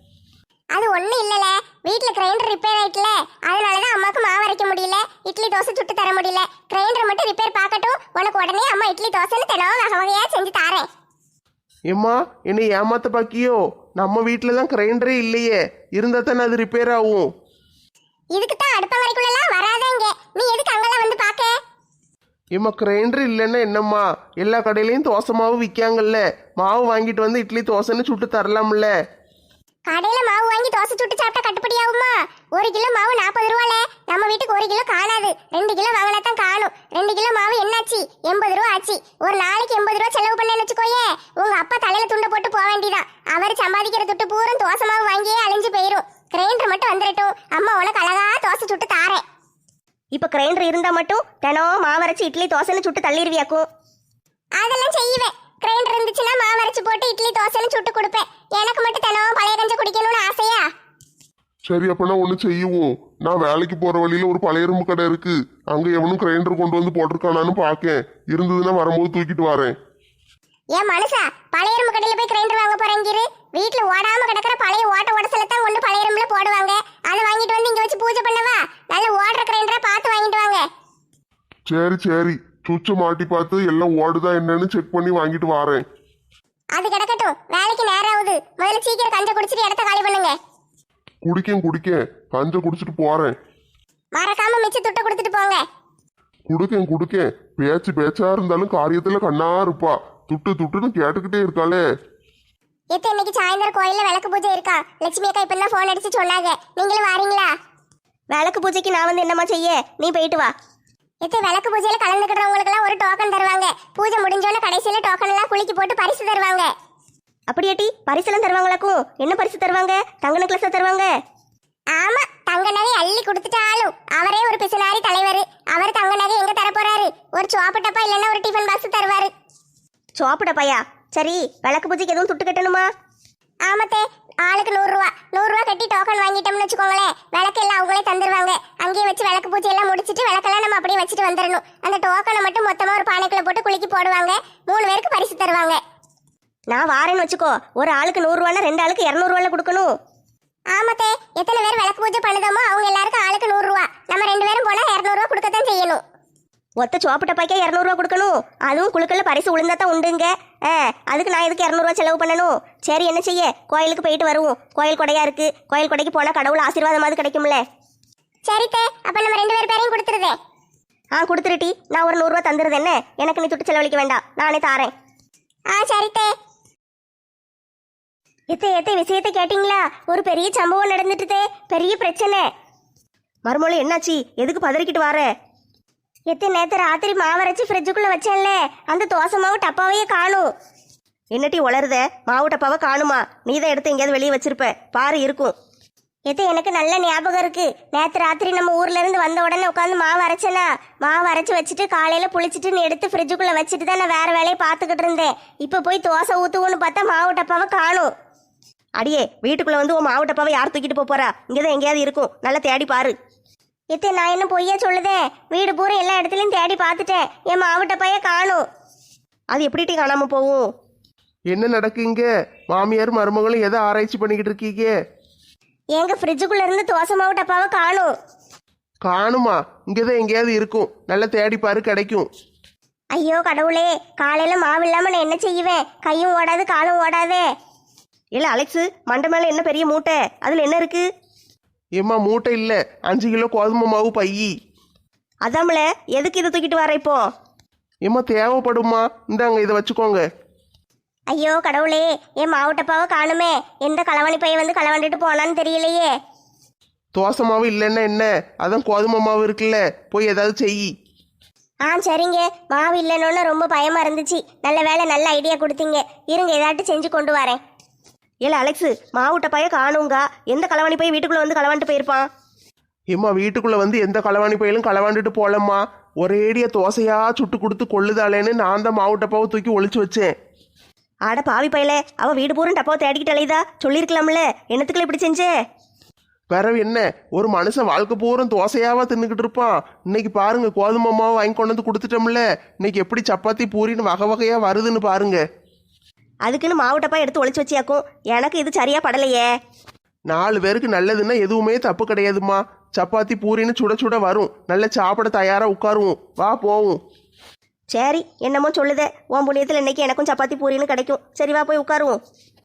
அது ஒண்ணும் இல்லல, வீட்ல கிரைண்டர் ரிப்பேர் ஆயிட்டுல, அதனாலதான் அம்மாக்கு மாவு அரைக்க முடியல, இட்லி தோசை சுட்டு தர முடியல. கிரைண்டர் மட்டும் ரிப்பேர் பார்க்கட்டும், உனக்கு உடனே அம்மா இட்லி தோசைன்னு தினம் வகை வகையா செஞ்சு தாரேன்.
ஏம்மா, என்னை ஏமாத்த பாக்கியோ? நம்ம வீட்டில தான் கிரைண்டரே இல்லையே. இருந்தா தானே அது ரிப்பேர் ஆகும்.
இதுக்கு தான் அடுப்பங்கரைக்குள்ளலாம் வராதேங்க. நீ எதுக்கு அங்கெல்லாம் வந்து பாக்க?
ஏம்மா, கிரைண்டர் இல்லைன்னா என்னம்மா? எல்லா கடையிலையும் தோசை மாவு விற்காங்கல்ல. மாவு வாங்கிட்டு வந்து இட்லி தோசைன்னு சுட்டு தரலாம்ல.
கடையில மாவு வாங்கி தோசை சுட்டு சாப்பிட்டா கட்டுப்படி ஆகுமா? ஒரு கிலோ மாவு நாற்பது ரூபால. நம்ம வீட்டுக்கு ஒரு கிலோ காணாது, ரெண்டு கிலோ வாங்கினா தான் காணும். ரெண்டு கிலோ மாவு என்னாச்சு? எண்பது ரூபா ஆச்சு. ஒரு நாளைக்கு எண்பது ரூபா செலவு பண்ணேன்னு வச்சுக்கோயே, உங்க அப்பா தலையில துண்டை போட்டு போக வேண்டியதான். அவர் சம்பாதிக்கிற துட்டு பூரம் தோசை மாவு வாங்கியே அழிஞ்சு போயிரும். கிரைண்டர் மட்டும் வந்துடட்டும், அம்மா உனக்கு அழகா தோசை சுட்டு தாரேன்.
இப்ப கிரைண்டர் இருந்தா மட்டும் தினம் மாவரைச்சு இட்லி தோசைன்னு சுட்டு தள்ளிடுவியாக்கும்?
அதெல்லாம் செய்வேன். கிரைண்டர் இருந்துச்சுன்னா மாவரைச்சு போட்டு இட்லி தோசைன்னு சுட்டு கொடுப்பேன். எனக்கு மட்டும் தினம் பழைய கஞ்ச குடிக்கணும்னு ஆசையா?
சரி, அப்பனா ஒண்ணு செய்யுவோம். நான் வேலைக்கு போற வழியில ஒரு பழைய இரும்பு கடை இருக்கு. அங்க எவனும் கிரைண்டர் கொண்டு வந்து போட்டிருக்கானான்னு பாக்கேன். இருந்ததுன்னா வரும்போது தூக்கிட்டு வரேன்.
ஏன் மனுஷா, பழைய இரும்பு கடையில போய் கிரைண்டர் வாங்க போறேங்கிரு? வீட்டுல ஓடாம கிடக்கிற பழைய ஓட்ட உடசல தான் ஒண்ணு பழைய இரும்புல போடுவாங்க. அதை வாங்கிட்டு வந்து இங்க வச்சு பூஜை பண்ணவா? நல்ல ஓடுற கிரைண்டரா பார்த்து வாங்கிட்டு வாங்க.
சரி சரி, சுவிட்சை மாட்டி பார்த்து எல்லாம் ஓடுதா என்னன்னு செக் பண்ணி வாங்கிட்டு வரேன்.
அது கிடக்கட்டும். இருக்கட்டும், வேலைக்கு நேரம் ஆகுது. முதல்ல சீக்கிரம் கஞ்ச குடிச்சிட்டு இடத்த காலி பண்ணுங்க.
குடிக்கேன் குடிக்கேன் கஞ்ச குடிச்சிட்டு போறேன்.
மறக்காம மிச்ச துட்ட கொடுத்துட்டு போங்க.
குடுக்கேன் குடுக்கேன் பேச்சு பேச்சா இருந்தாலும் காரியத்துல கண்ணா இருப்பா. துட்டு துட்டுன்னு கேட்டுக்கிட்டே இருக்காளே.
எத்த இன்னைக்கு சாயந்தரம் கோயில்ல விளக்கு பூஜை இருக்கா? லட்சுமி அக்கா இப்ப தான் போன் அடிச்சு சொன்னாங்க. நீங்களும் வாரீங்களா?
விளக்கு பூஜைக்கு நான் வந்து என்னம்மா செய்ய, நீ போயிட்டு வா.
எத்த விளக்கு பூஜையில கலந்துக்கிறவங்களுக்கு எல்லாம் ஒரு டோக்கன் தருவாங்க. பூஜை முடிஞ்சோட கடைசியில டோக்கன் எல்லாம் குலுக்கி போட்டு பரிசு தருவாங்க.
அப்படியாட்டி பரிசெல்லாம் தருவாங்களாக்கும்? என்ன பரிசு தருவாங்க? தங்க நெக்லஸா தருவாங்க?
ஆமா, தங்க நகை அள்ளி கொடுத்துட்டாலும் அவரே ஒரு பிசுனாரி தலைவர். அவர் தங்க நகை எங்க தர போறாரு? ஒரு சோப்பு டப்பா இல்லைன்னா ஒரு டிஃபன் பாக்ஸ் தருவாரு.
சோப்புட பையா. சரி, விளக்கு பூஜைக்கு எதுவும் துட்டு கட்டணுமா?
ஆமத்தே, ஆளுக்கு நூறு ரூபா நூறு ரூபா கட்டி டோக்கன் வாங்கிட்டோம்னு வச்சுக்கோங்களேன், விளக்கு எல்லாம் அவங்களே தந்துருவாங்க. அங்கேயே வச்சு விளக்கு பூஜை எல்லாம் முடிச்சிட்டு விளக்கெல்லாம் நம்ம அப்படியே வச்சுட்டு வந்துடணும். அந்த டோக்கனை மட்டும் மொத்தமா ஒரு பானைக்குள்ள போட்டு குலுக்கி போடுவாங்க. மூணு பேருக்கு பரிசு தருவாங்க.
நான் வாரேன்னு வச்சுக்கோ. ஒரு ஆளுக்கு நூறு ரூபானா ரெண்டு ஆளுக்கு இருநூறு ரூபால கொடுக்கணும்.
ஆமத்தே, எத்தனை பேர் விளக்கு பூஜை பண்ணுதோமோ அவங்க எல்லாருக்கும் ஆளுக்கு நூறு ரூபா. நம்ம ரெண்டு பேரும் போனா இருநூறு ரூபா கொடுக்கத்தான் செய்யணும்.
ஒத்த சோப்பு டப்பாய்க்கே இரநூறுவா கொடுக்கணும். அதுவும் குழுக்கல்ல பரிசு விழுந்தா தான் உண்டுங்க. ஆ, அதுக்கு நான் இதுக்கு இரநூறுவா செலவு பண்ணணும். சரி, என்ன செய்ய, கோயிலுக்கு போயிட்டு வருவோம். கோயில் கொடையா இருக்கு. கோயில் கொடைக்கு போனால் கடவுள் ஆசீர்வாதமாவது கிடைக்கும்ல.
சரித்தே, அப்ப நம்ம ரெண்டு பேர் பேரையும் கொடுத்துருதேன்.
ஆ, கொடுத்துருட்டி. நான் ஒரு நூறுரூவா தந்துருது. என்ன, எனக்கு நீ துட்டு செலவழிக்க வேண்டாம், நானே தாரேன்.
ஆ சரித்தே.
எத்த எத்த விஷயத்தை கேட்டிங்களா? ஒரு பெரிய சம்பவம் நடந்துட்டுதே. பெரிய பிரச்சனை. மறுமொழி என்னாச்சு? எதுக்கு பதறிக்கிட்டு வார? எத்த நேற்று ராத்திரி மாவரைச்சி ஃப்ரிட்ஜுக்குள்ளே வச்சேன்ல, அந்த தோசை மாவு டப்பாவையே காணும். என்னட்டி உளருத? மாவு டப்பாவை காணுமா? நீ தான் எடுத்து எங்கேயாவது வெளியே வச்சிருப்ப பாரு, இருக்கும்.
எத்த எனக்கு நல்ல ஞாபகம் இருக்கு. நேற்று ராத்திரி நம்ம ஊர்ல இருந்து வந்த உடனே உட்காந்து மாவு அரைச்சேனா, மாவு அரைச்சி வச்சுட்டு காலையில புளிச்சிட்டு எடுத்து ஃப்ரிட்ஜுக்குள்ள வச்சுட்டு தான் நான் வேற வேலையை பார்த்துக்கிட்டு இருந்தேன். இப்போ போய் தோசை ஊற்றுவோன்னு பார்த்தா மாவு டப்பாவை காணும்.
அடியே, வீட்டுக்குள்ள வந்து உன் மாவு டப்பாவை யார் தூக்கிட்டு போப் போறா? இங்கதான் எங்கேயாவது இருக்கும், நல்லா தேடி பாரு.
எத்த நான் என்ன பொய்யா சொல்லுதேன்? வீடு பூரா எல்லா இடத்துலயும் தேடி பார்த்துட்டேன். என் மாவு டப்பாயே காணும்.
அது எப்படிட்டி காணாம போகும்?
என்ன நடக்குங்க? மாமியார் மருமகளும் எதை ஆராய்ச்சி பண்ணிக்கிட்டு இருக்கீங்க?
எங்க ஃப்ரிட்ஜுக்குள்ள இருந்து தோசை மாவு டப்பாவை காணும்.
காணுமா? இங்கதான் எங்கேயாவது இருக்கும், நல்லா தேடி பாரு, கிடைக்கும்.
ஐயோ கடவுளே, காலையில மாவு இல்லாம நான் என்ன செய்வேன்? கையும் ஓடாது காலும் ஓடாதே.
இல்ல அலெக்ஸு, மண்டை மேல என்ன பெரிய மூட்டை? அதுல என்ன இருக்கு?
ஏம்மா, மூட்டை இல்லை, அஞ்சு கிலோ கோதுமை மாவு பையி.
அதாமல, எதுக்கு இதை தூக்கிட்டு வர இப்போ?
ஏம்மா, தேவைப்படுமா? இந்தாங்க, இதை வச்சுக்கோங்க.
ஐயோ கடவுளே, என் மாவு டப்பாவை காணுமே. எந்த களவாணி பையன் வந்து களவாண்டுட்டு போனான்னு தெரியலையே.
தோசை மாவு இல்லைன்னா என்ன, அதான் கோதுமை மாவு இருக்குல்ல, போய் ஏதாவது செய்.
ஆ சரிங்க. மாவு இல்லைன்னு ரொம்ப பயமா இருந்துச்சு. நல்ல வேலை, நல்ல ஐடியா கொடுத்தீங்க. இருங்க, ஏதாட்டு செஞ்சு கொண்டு வரேன்.
இல்ல அலெக்ஸு, மாவுட்ட பைய காணுங்க. எந்த களவாணி போய் வீட்டுக்குள்ள வந்து களவாண்டு போயிருப்பான்?
ஏம்மா, வீட்டுக்குள்ள வந்து எந்த களவாணி பையிலும் களவாண்டுட்டு போலம்மா. ஒரேடியா தோசையா சுட்டு கொடுத்து கொள்ளுதாளேன்னு நான் தான் மாவு டப்பாவை தூக்கி ஒளிச்சு வச்சேன்.
ஆட பாவி பையல, அவ வீடு பூரா டப்பாவை தேடிக்கிட்டு அலையுதா? சொல்லியிருக்கலாம்ல, என்னத்துக்குள்ள இப்படி செஞ்சே?
பிறவு என்ன, ஒரு மனுஷன் வாழ்க்கை பூரம் தோசையாவா தின்னுக்கிட்டு இருப்பான். இன்னைக்கு பாருங்க, கோதுமை மாவு வாங்கி கொண்டு வந்து கொடுத்துட்டோம்ல. இன்னைக்கு எப்படி சப்பாத்தி பூரின்னு வகை வகையா வருதுன்னு பாருங்க.
அதுக்குன்னு மாவு டப்பா எடுத்து ஒளிச்சு வச்சியாக்கும். எனக்கு இது சரியா படலையே.
நாலு பேருக்கு நல்லதுன்னா எதுவுமே தப்பு கிடையாதுமா. சப்பாத்தி பூரின்னு சுட சுட வரும், நல்ல சாப்பிட தயாரா உட்காருவோம். வா போவோம்.
சரி, என்னமோ சொல்லுதே. உன் புண்ணியத்தில் இன்னைக்கு எனக்கும் சப்பாத்தி பூரின்னு கிடைக்கும். சரி, வா போய் உட்காருவோம்.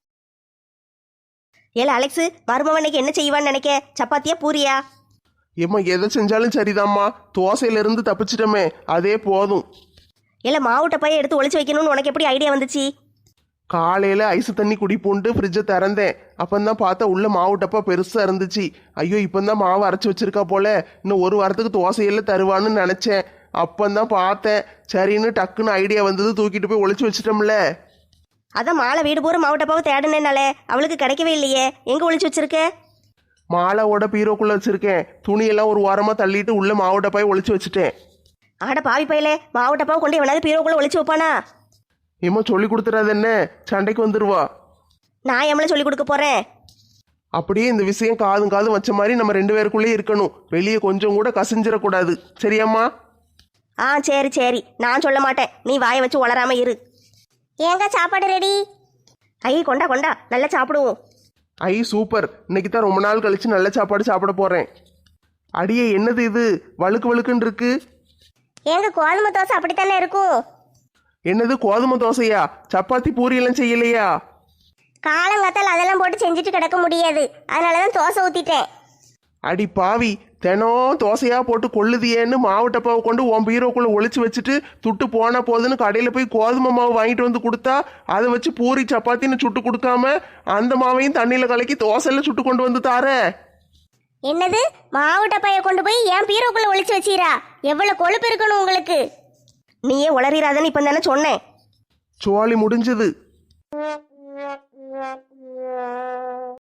ஏல அலெக்ஸு, மருமவன் இன்னைக்கு என்ன செய்வான்னு நினைக்க? சப்பாத்தியா பூரியா?
ஏம்மா, எதை செஞ்சாலும் சரிதாம்மா. தோசையில இருந்து தப்பிச்சிட்டோமே, அதே போதும்.
இல்ல மாவு டப்பாயை எடுத்து ஒளிச்சு வைக்கணும்னு உனக்கு எப்படி ஐடியா வந்துச்சு?
காலையில ஐஸ் தண்ணி குடிப்பூண்டு ஃப்ரிட்ஜை திறந்தேன். அப்பந்தான் பார்த்தா உள்ள மாவு டப்பா பெருசா இருந்துச்சு. ஐயோ, இப்பந்தான் மாவு அரைச்சி வச்சிருக்கா போல, இன்னும் ஒரு வாரத்துக்கு தோசையெல்லாம் தருவான்னு நினைச்சேன். அப்பந்தான் பார்த்தேன். சரின்னு டக்குன்னு ஐடியா வந்தது, தூக்கிட்டு போய் ஒளிச்சு வச்சிட்டோம்ல.
அதான் மாலை வீடு பூரா மாவு டப்பாவை தேடுனேனாலே அவளுக்கு கிடைக்கவே இல்லையே. எங்க ஒளிச்சு வச்சிருக்க?
மாலாவோட பீரோக்குள்ள வச்சிருக்கேன். துணியெல்லாம் ஒரு வாரமா தள்ளிட்டு உள்ள மாவு டப்பாயை ஒளிச்சு வச்சுட்டேன்.
ஆட பாவி பையலே, மாவு டப்பாவை கொண்டு எவனாவது பீரோக்குள்ள ஒளிச்சு வைப்பானா?
ஏம்மா, சொல்லி கொடுத்துறாது என்ன, சண்டைக்கு வந்துருவா.
நான் எம்மளை சொல்லி கொடுக்க போறேன்?
அப்படியே இந்த விஷயம் காதும் காதும் வச்ச மாதிரி நம்ம ரெண்டு பேருக்குள்ளேயே இருக்கணும். வெளியே கொஞ்சம் கூட கசிஞ்சிடக்கூடாது. சரியாம்மா?
ஆ சரி சரி, நான் சொல்ல மாட்டேன். நீ வாயை வச்சு உளராம இரு.
ஏங்க சாப்பாடு ரெடி?
ஐ கொண்டா கொண்டா, நல்லா சாப்பிடுவோம்.
ஐ சூப்பர், இன்னைக்கு தான் ரொம்ப நாள் கழிச்சு நல்ல சாப்பாடு சாப்பிட போறேன். அடியே, என்னது இது வழுக்கு வழுக்குன்னு இருக்கு?
ஏங்க கோதுமை தோசை அப்படித்தானே இருக்கும்.
என்னது கோதுமை தோசையா? சப்பாத்தி பூரியெல்லாம் செய்யலையா?
காலங்காத்தால் அதெல்லாம் போட்டு செஞ்சுட்டு கிடக்க முடியாது, அதனால தான் தோசை ஊத்திட்டேன்.
அடி பாவி, தினம் தோசையா போட்டு கொள்ளுதியேன்னு மாவு டப்பாவை கொண்டு உன் பீரோக்குள்ள ஒளிச்சு வச்சுட்டு துட்டு போன போதுன்னு கடையில் போய் கோதுமை மாவு வாங்கிட்டு வந்து கொடுத்தா அதை வச்சு பூரி சப்பாத்தின்னு சுட்டு கொடுக்காம அந்த மாவையும் தண்ணியில் கலக்கி தோசையில் சுட்டு கொண்டு வந்து தார.
என்னது, மாவு டப்பாயை கொண்டு போய் என் பீரோக்குள்ள ஒளிச்சு வச்சீரா? எவ்வளவு கொழுப்பு இருக்கணும் உங்களுக்கு.
நீயே உளறிராதன்னு இப்போ தானே சொன்னேன்.
சோழி முடிஞ்சது.